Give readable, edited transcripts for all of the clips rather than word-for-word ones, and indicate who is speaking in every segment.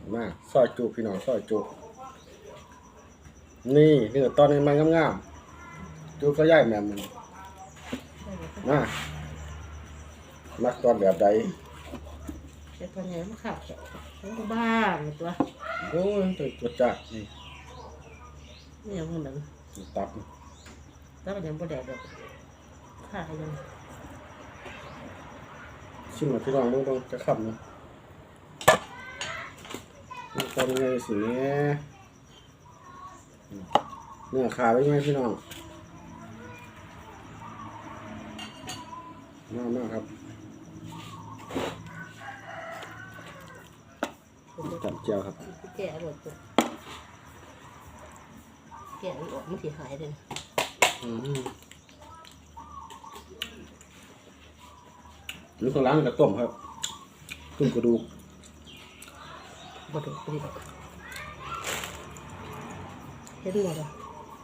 Speaker 1: มาซอยจุพี่น้องซอยจุนี่เนื้อตอนนี้มันงามๆจุก็ย่ายแม่มันมามักตอนแบบใด
Speaker 2: เจ็บปัญญาไม่ขาดแค่บ้านตัว
Speaker 1: โอ้ยตัวจัดนี่
Speaker 2: นี่ยังมัน
Speaker 1: ตับ
Speaker 2: แล้วมันยังบ่แดดดอกขาดยัง
Speaker 1: ชิมมาพี่น้องมึงต้องจะขับนะตอนนี้สิเนี่ยเนื้อขาไว้ไหมพี่น้องมากครับจับเจียวครับ
Speaker 2: แก่หมดตัวแก่ออกมันสีหายเลย
Speaker 1: นี่ของร้านกระต้มครับต้มกระดูก
Speaker 2: บ่ถูกดีดอกเห็นหมดอ่ะ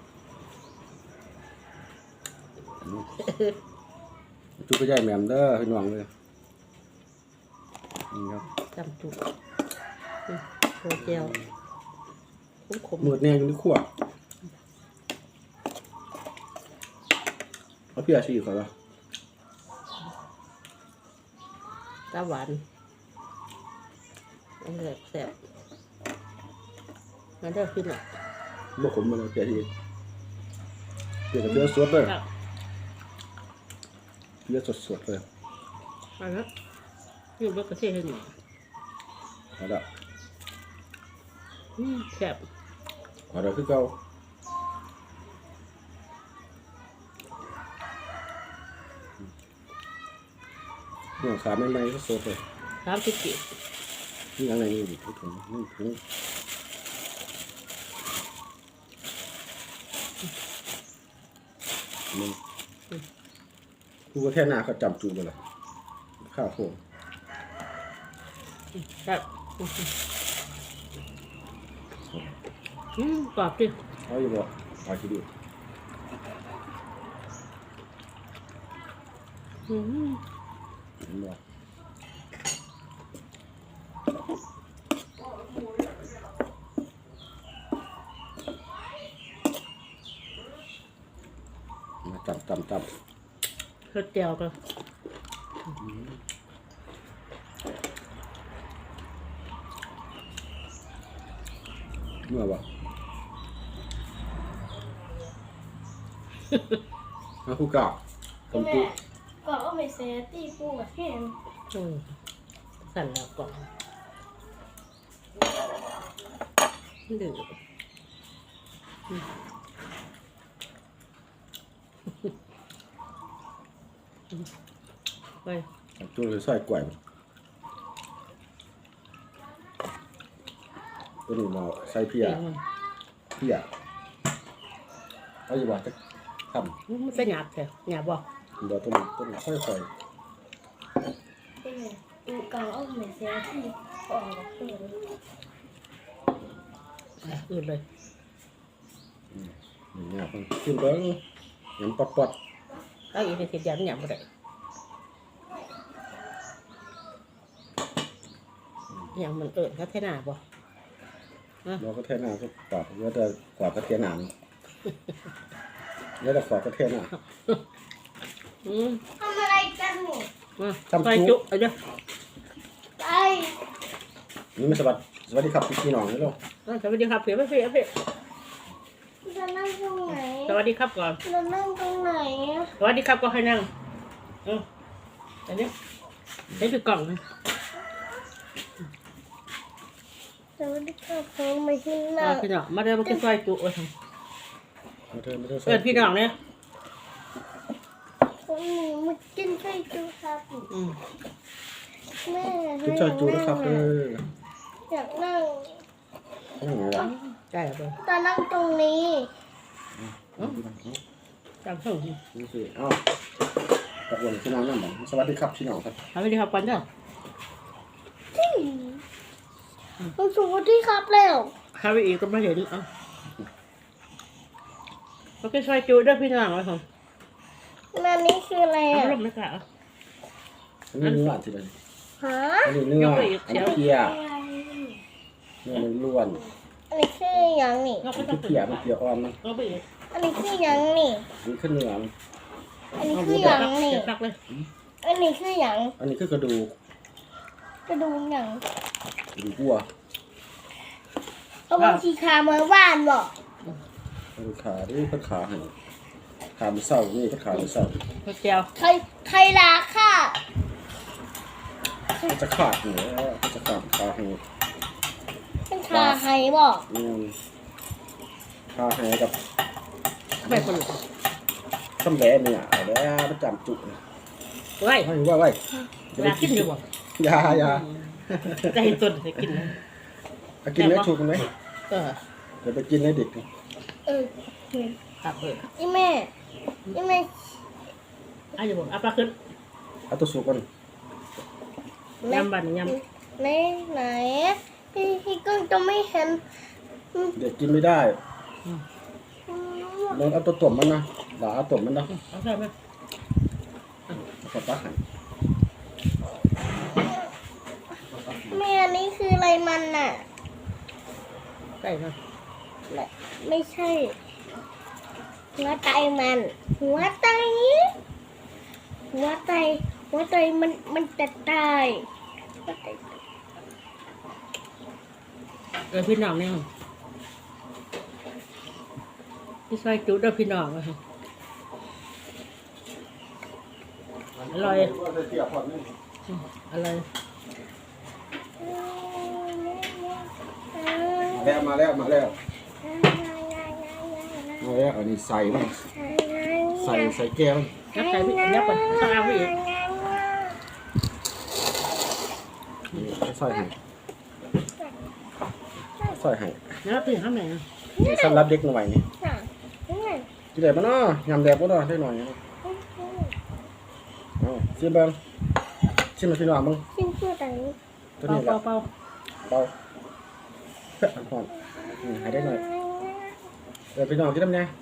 Speaker 1: จุกก็ใหญ่แหม่มเด้อพี่น้องเลยนี่ครับ
Speaker 2: จำจุกโคเจลขม
Speaker 1: มืดแน่อยู่ในขั้วเอาเพียชีก่อนวะ
Speaker 2: ตาหวานอันนี้แซ่บงั้นเดี๋ยวขึ้นหน่อย
Speaker 1: บ่ขมมาเลยเพียชีเพียกับเพียสดเลยเพียสดเลย
Speaker 2: เอาละอยู่บ้านก็เท่ให้หน่อย
Speaker 1: เอาละ
Speaker 2: แซ่บ
Speaker 1: เอาละคือเก่าเนื้อขาไม่ก็สดเลย
Speaker 2: 30 กิโล
Speaker 1: นี่อะไรนี่ดิถุงนี่ถุงมึงกูก็แค่หน้าเขาจำจูกันเลยข้าวโพด
Speaker 2: ครับกรอบดิ
Speaker 1: เอาอยู่บ่เอาทีเดียวมาจับ
Speaker 2: เฮ็ดเจียวกัน
Speaker 1: เมื่อวะมาคู่กับ
Speaker 3: แม่ก็เอาไปเซตีปูกับแห้ง
Speaker 2: สั่นแล้วก่อนดื้อไป
Speaker 1: จูเลยใส่กล้วยตัวนี้มาใส่เพียเอาอยู่บ่จะทำ
Speaker 2: มันเป็นหยาบแท้หยาบบ่
Speaker 1: บ่ต้นค่อย
Speaker 3: แม่ดูก็เอาไปเซตีออกกับเพื่อน
Speaker 2: อื่นเลย
Speaker 1: เนี่ยกินเบิ้งยำปอด
Speaker 2: เอาอีกทีเดียวหยาบบ่ได้อย่างมันเขาเทน่าบ่
Speaker 1: เราก็เทน่าก็กวาดแล้วแต่กวาดกระเทียมหนังแล้วแต่กวาดกระเทียมหนัง
Speaker 3: ทำอะไรกันหนู
Speaker 2: ทำจุเอาเด้อ
Speaker 3: ไป
Speaker 1: นี่ไม่สวัสดีครับพี่น้องนี่ลูก
Speaker 2: สวัสดีครับเพี่
Speaker 3: จะนั่งตรงไหน
Speaker 2: สวัสดีครับก่อน
Speaker 3: จะนั่งตรงไหน
Speaker 2: สวัสดีครับก็ให้นั่งอันนี้นี่คือกล่อง
Speaker 3: สวัสดีครับผมมาที่นั่ง
Speaker 2: พี่น้องมาเดินมากินซอยจุทำพี่น้องเนี่ย
Speaker 3: มากินซอยจุครับแม่
Speaker 1: กินซอยจุนะครับ
Speaker 3: อยากนั่ง
Speaker 2: ใช่ครับ
Speaker 3: จะนั่งตรงนี้
Speaker 2: จำส่ง
Speaker 1: นี่สิตะวันพี่น้องนั่นหมสวัสดีครับพี่น้องครับ
Speaker 2: สวัสดีครับปันเจ้า
Speaker 3: สวัสดีครับแล้ว
Speaker 2: ข้าไปอีกก็ไม่เห็นโอเคซอยจุด้วยพี่น้องไว้ผม
Speaker 3: นั่นนี่คืออะไร
Speaker 2: ร่มไม่กล้า
Speaker 1: อันนี้เนื้อสิเลย
Speaker 3: ฮะ
Speaker 1: อันนี้เนื้ออันนี้เพียเนื้อมันล้วน
Speaker 3: อันนี้คือหยังนี่
Speaker 2: เรา
Speaker 1: มั
Speaker 2: ก็
Speaker 1: น
Speaker 2: ต้
Speaker 1: คือ อง
Speaker 2: เปิด
Speaker 1: เปียกอ่อนมัน
Speaker 2: เราไปอีก
Speaker 3: อันนี้คือหยังนี่
Speaker 1: นี่คือเนื้อ
Speaker 3: อันนี้คือหยังนี่
Speaker 2: เก็บตักเลย
Speaker 3: อันนี้คือหยัง
Speaker 1: อันนี้คือกระดูก
Speaker 3: กระดูกหยัง
Speaker 1: กระดูกวัว
Speaker 3: เอาบางทีคาเมื่อวานบ่
Speaker 1: กระดูกขาที่เพิ่นขาให้ขามันเศร้านี่เพิ่นขามันเศร้า
Speaker 2: เจียว
Speaker 3: ไทยลาค่ะ
Speaker 1: มันจะขาดหัวมันจะขาดขาให้
Speaker 3: เป็นคาไฮบ่
Speaker 1: ขาให้กับ
Speaker 2: ไปคนละ
Speaker 1: ตำแหลเนี่ยเอาแล้วประจำจุนะ
Speaker 2: ไว้
Speaker 1: ให้ว่าไว้
Speaker 2: เวลากินอยู่บ่
Speaker 1: ยา
Speaker 2: จะเห็นต้นจะกินนะ
Speaker 1: เอากินไหมถูกไหม
Speaker 2: เออ
Speaker 1: เดี๋ยวไปกินให้เด็กนี่
Speaker 3: เออ
Speaker 2: ครับเออ
Speaker 3: อีแม่
Speaker 2: อาอยู่บ่เอาปลาขึ้น
Speaker 1: เอาตัวสุกก่อน
Speaker 2: ยำบันย
Speaker 3: ไหนพี่กึ้งจะไม่เห็น
Speaker 1: เด็กกินไม่ได้ลองเอาตัวตุ่มมันนะหลาเอาตุ่มมันนะ
Speaker 2: ำเอาใส่ไหม
Speaker 1: ขอตักให้
Speaker 3: แม่อันนี้คืออะไรมันน่ะ
Speaker 2: ใส่มา
Speaker 3: ไม่ใช่ หัวใจมัน หัวใจมันจะตายหัวใจ
Speaker 2: พี่น้องเนี่ยพี่ซอยจุดเด้อพี่น้องเลยอร่อยอร่อย
Speaker 1: มาแล้วอันนี้ใส่มันใส่แก้ว
Speaker 2: นับใส่พี่นับก่อนต้องเอาไปอีก
Speaker 1: ใส่ให้ใส่ให้
Speaker 2: นับพี่ข้างไหน
Speaker 1: นี่สำหรับเด็กหน่อยนี่กินได้ปะเนาะยำแดกปะเนาะได้หน่อยนะเอาชิมเบิ้งชิมมาพี่น้องมึง
Speaker 3: ชิ้นเพื่อไหน
Speaker 1: ตัว
Speaker 2: เป่า
Speaker 1: นี้แหละ
Speaker 2: เป่า
Speaker 1: เบาเพื่ออันก่อนหายได้หน่อยเดี๋ยวพี่น้องกินน้ำเนี่ย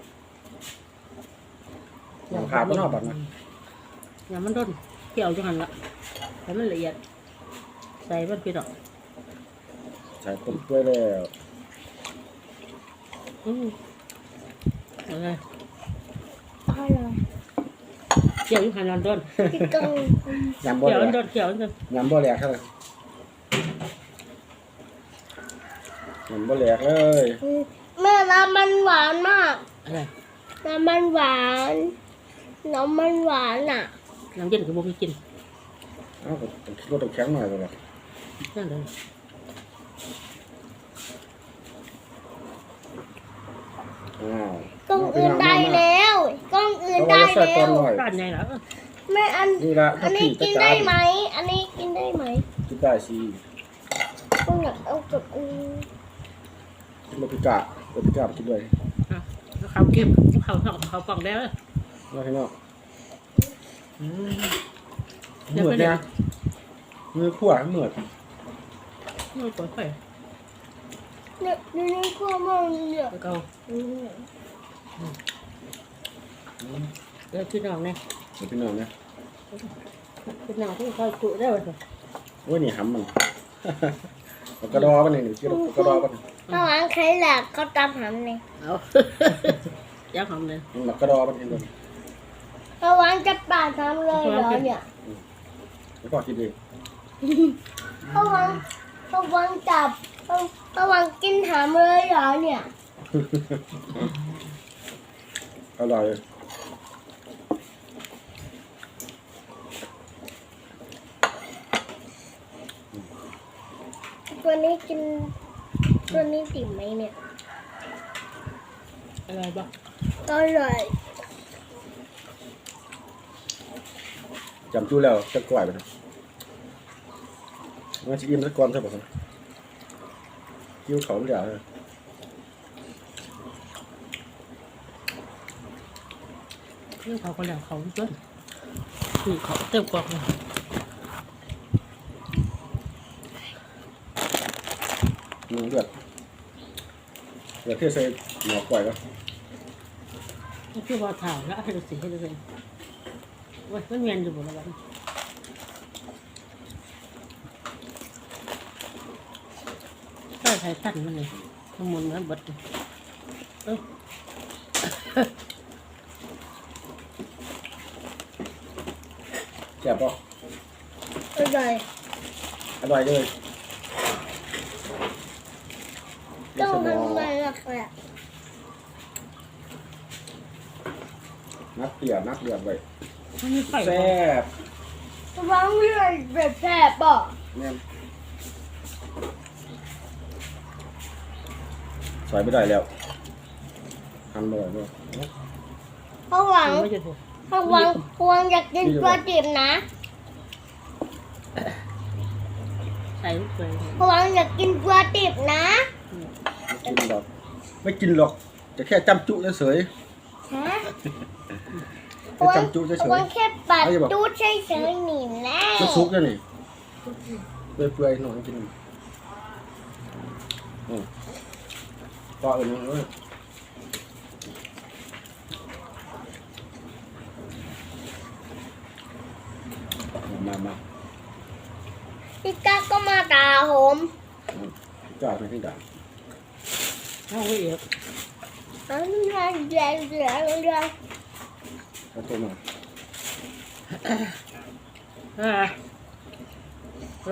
Speaker 1: ยำขาดปะเนาะบัดนะ
Speaker 2: ยำมันด้นเกี่ยวจังหันละแต่มันละเอียดใส่มันพี่น้อง
Speaker 1: ใส่ต้มกล้วยแล้ว
Speaker 2: อะไร
Speaker 3: อร่อย
Speaker 2: เกี่ยวอยู่หันลอนด้น
Speaker 3: พี่กึ้ง
Speaker 1: ยำบ่
Speaker 2: เกี่ยว
Speaker 1: แหล
Speaker 2: มัน
Speaker 1: ก
Speaker 2: ด้นเกี่ยวมันด้น
Speaker 1: ยำบ่แหลกเท่าไหร่ยำบ่แหลกเลย
Speaker 3: แม่น้ำมันหวานมาก
Speaker 2: อะไร
Speaker 3: น้ำมันหวานอ่ะ
Speaker 2: น้ำเย็นคือบ่มีกิน
Speaker 1: เอ้าก็ต้องคิดว่าต้องแข็งหน่อยเลย
Speaker 2: นั่นเลย
Speaker 1: อ้าว
Speaker 3: กล้องอื่นได้แล้วกล้องอื่นได้
Speaker 1: ใส่
Speaker 3: แล้
Speaker 1: ตอน
Speaker 3: ว
Speaker 1: หน่อย
Speaker 2: ร้านใหญ่แล้ว
Speaker 3: แม่
Speaker 1: นี่ละ
Speaker 3: อันนี้กินได้ไหม อันนี้กินได้ไหม
Speaker 1: กินได้สิ
Speaker 3: ก็อยากเอากับอันนี้
Speaker 1: กินโรบิก้าไปกินด้วย
Speaker 2: เขาเก็บเขากล่องได้เลย
Speaker 1: มาให้น้องเหมือดเนี่ยมือขวาเหมือด
Speaker 2: มันปวดไป
Speaker 3: เนี่ยนี่ข้าวมันเนี่ย
Speaker 2: แล้วก็เดี๋ยวพี่น้องเนี่ย
Speaker 1: พี่น้องเนี่ย
Speaker 2: พี่น้องที่คอยกุได้ไหม
Speaker 1: โอ้ยนี่หำมันกระดอมันนี่กินกระดอมัน
Speaker 3: ระหว่างใครหลักเขาตามหำเนี่ย
Speaker 2: เอายักษ์หอมเลย
Speaker 1: มันกระดอมันเห็นเลย
Speaker 3: ระหว่างจะป่าทำเลยเหรอเนี่ย
Speaker 1: แล้วก็กินดี
Speaker 3: ระหว่างจับระหว่างกินหำเลยเหรอเนี่ย
Speaker 1: อร่อย
Speaker 3: ตัวนี้กินตัวนี้ติ่มไหมเนี่ย
Speaker 2: อะไรบ้าง
Speaker 3: อร่อย
Speaker 1: จำจู้แล้วจะกล่อยไปนะมันจะอิ่มสักก้อนใช่ป่ะครับกิ้วเขาไม่ได้เลย
Speaker 2: เรื่องเขาคนแล้วเขาต้นคือเขาเต็มกล่องเลย
Speaker 1: เลือดที่ใส่หมอกก่อยก็
Speaker 2: นี่คือว่าถ่ายแล้วให้ดูสิให้ดูสิว่ามันเวียนอยู่บนระดับใส่ได้ใส่สั้นมันเลยทั้งหมดนั้นบดเออ
Speaker 1: แซ่บป่ะ
Speaker 3: อร่อย
Speaker 1: อร่อยเลย
Speaker 3: ต้อง
Speaker 1: สมอ
Speaker 3: ทำไงล่ะครับ
Speaker 1: นักเปียกนักเดือดไว้
Speaker 2: มันมีไฟ
Speaker 1: แซ่บ
Speaker 3: ระวังเลือดแบบแสบป่ะ
Speaker 1: เนี่ยใส่ไม่ได้แล้วทำไม่ได้ด้วย
Speaker 3: ระวัง
Speaker 2: ไม่จะถูก
Speaker 3: ระวังอยากกินปลาดิบนะ
Speaker 2: ใส่ลูกเลย
Speaker 3: ระวังอยากกินปลาดิบนะ
Speaker 1: ไม่กินหรอกไม่กินหรอกจะแค่จำจุเฉย
Speaker 3: ฮะ
Speaker 1: ๆแค่จำจุเฉ
Speaker 3: ระ
Speaker 1: ย
Speaker 3: วังแค่ปัด
Speaker 1: เขาจะบอก
Speaker 3: ตูดเฉยๆหนีแล้ว
Speaker 1: ๆซุกๆแล้วนี่เปื่อยๆหน่อยกินก็อื่นเลยมา
Speaker 3: พี่ก้าก็มาตาผม
Speaker 1: จ่ายไปที่ด่าน
Speaker 2: เอาไว้เอก
Speaker 3: อันนี้แรง
Speaker 1: แล้วตัวมา
Speaker 2: อ่า